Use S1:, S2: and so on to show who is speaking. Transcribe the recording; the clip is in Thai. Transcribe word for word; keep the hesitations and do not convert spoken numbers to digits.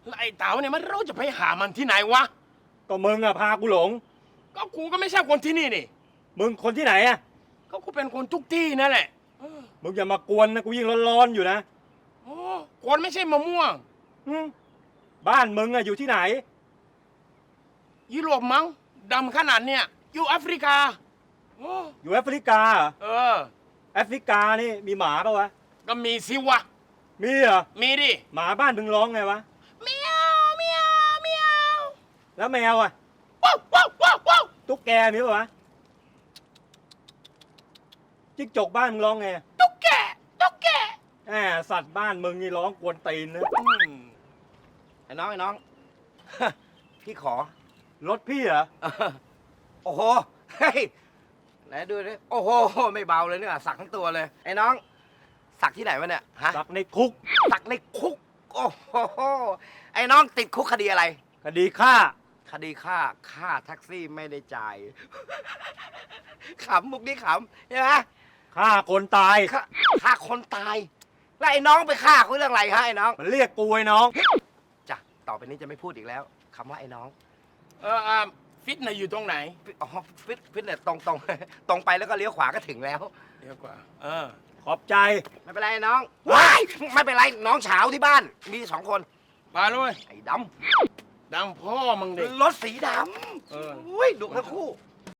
S1: แล้วไอ้เต๋าเนี่ยมันเราจะไปหามันที่ไหนวะ
S2: ก็มึงอะพากูหลง
S1: ก็กูก็ไม่ใช่คนที่นี่นี่
S2: มึงคนที่ไหนอะ
S1: ก็กูเป็นคนทุกที่นั่นแหละเออ
S2: มึงอย่ามากวนนะกูยิ่งร้อนๆอยู่นะ
S1: โอ้คนไม่ใช่มะม่วง
S2: อืมบ้านมึงอะอยู่ที่ไหน
S1: ยุโรปมั้งดำขนาดเนี่ยอยู่แอฟริกาโอ้
S2: อยู่แอฟริกาเหรอ
S1: เออ
S2: แอฟริกานี่มีหมาปะวะ
S1: ก็มีสิวะ
S2: มีเหรอ
S1: มีดิ
S2: หมาบ้านมึงร้องไงวะ
S1: เมียวเมียวเมียว
S2: แล้วแมวอะ
S1: ว้าวว้าวว้าวว้าว
S2: ตุ๊กแกมีปะวะจิ้งจกบ้านมึงร้องไง
S1: ตุ๊กแกตุ๊กแก
S2: แหมสัตว์บ้านมึงนี่ร้องกวนตีนนะ
S1: อืม
S3: ไอ้น้องไอ้น้อง พี่ขอ
S2: รถพี่เหรอ
S3: โอ้โหเฮ้ยไหนดูดิโอ้โหไม่เบาเลยเนี่ยสักทั้งตัวเลย ไอ้น้อง สักที่ไหนวะเนี่ยฮะ
S2: สักในคุก
S3: สักในคุก โอ้โหไอ้น้องติดคุกคดีอะไร
S2: คดีฆ่า
S3: คดีฆ่าฆ่าแท็กซี่ไม่ได้จ่าย ขำมุกนี้ขำใช่ไหม
S2: ฆ่าคนตาย
S3: ฆ่าฆ่าคนตาย แล้วไอ้น้องไปฆ่าเขาเรื่องอะไรฮะไอ้น้อง
S2: มันเรียกกูไอ้น้อง
S3: จ้ะต่อไปนี้จะไม่พูดอีกแล้วคำว่าไอ้น้อง
S1: เอออ่าฟิตเนสอยู่ตรงไหน
S3: อ๋อฟิตฟิตเนสตรงตรง ตรงไปแล้วก็เลี้ยวขวาก็ถึงแล้ว
S1: เดี๋ยวกว่า เออ
S2: ขอบใจ
S3: ไม่เป็นไรน้องว้ายไม่เป็นไรน้องเฉาที่บ้าน มีสองคน
S1: มาเลย
S3: ไอ้ด
S1: ดังพ่อมึงเด็ก
S3: ำรถสีด
S1: เออ
S3: ำอุ้ยดุทั้งคู่